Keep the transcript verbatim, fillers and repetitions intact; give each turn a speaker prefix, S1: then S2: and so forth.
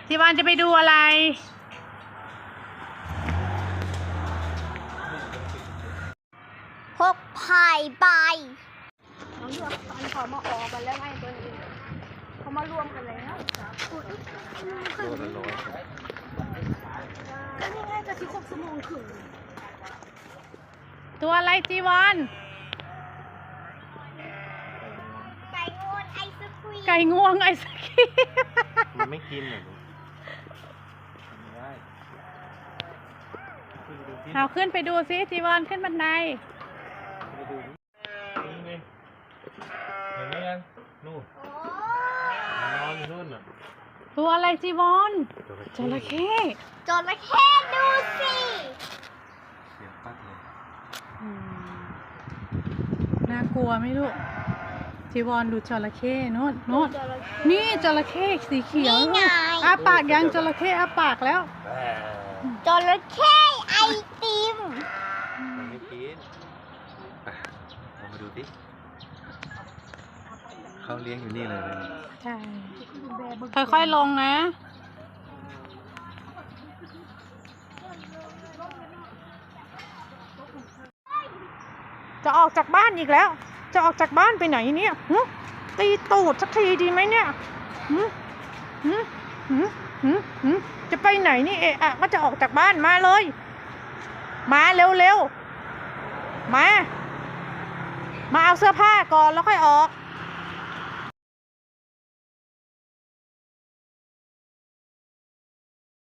S1: จีวานจะไปดูอะไร
S2: หกพายใบ
S3: น้องเลือกตอนเขามาออกกันแล้วไงตัวนี้เขามารวมกันแล้วก็นี่ไงจะที่ครบชั่วโมงถึง
S1: ตัวอะไรจีวาน
S2: ไก่งวงไอศครีม
S1: ไก่งวงไอศครีม
S4: มันไม่กินเหรอ
S1: เอาขึ้นไปดูซิจีวานขึ้นบันได
S4: ไปดูนี่ไงเห็นไหมยังนู่นนอนอยู่นู่นน่ะ
S1: ตัวอะไรจีวอนจระเข้
S2: จระเข้ดูสิ
S4: เสียงปัดเลย
S1: น่ากลัวไหมลูกจีวอนดูจระเข้โน่นโน่นนี่จระเข้สีเขียวอ้าปากยังจระเข้อ้าปากแล้ว
S2: จระเข้ไอติม
S4: มันไม่กินลองมาดูดิเขาเลี้ยงอยู่นี่เลย
S1: ใช่ค่อยๆลงนะจะออกจากบ้านอีกแล้วจะออกจากบ้านไปไหนเนี่ยตีตูดสักทีดีไหมเนี่ยจะไปไหนนี่เอะอะก็จะออกจากบ้านมาเลยมาเร็วๆมามาเอาเสื้อผ้าก่อนแล้วค่อยออก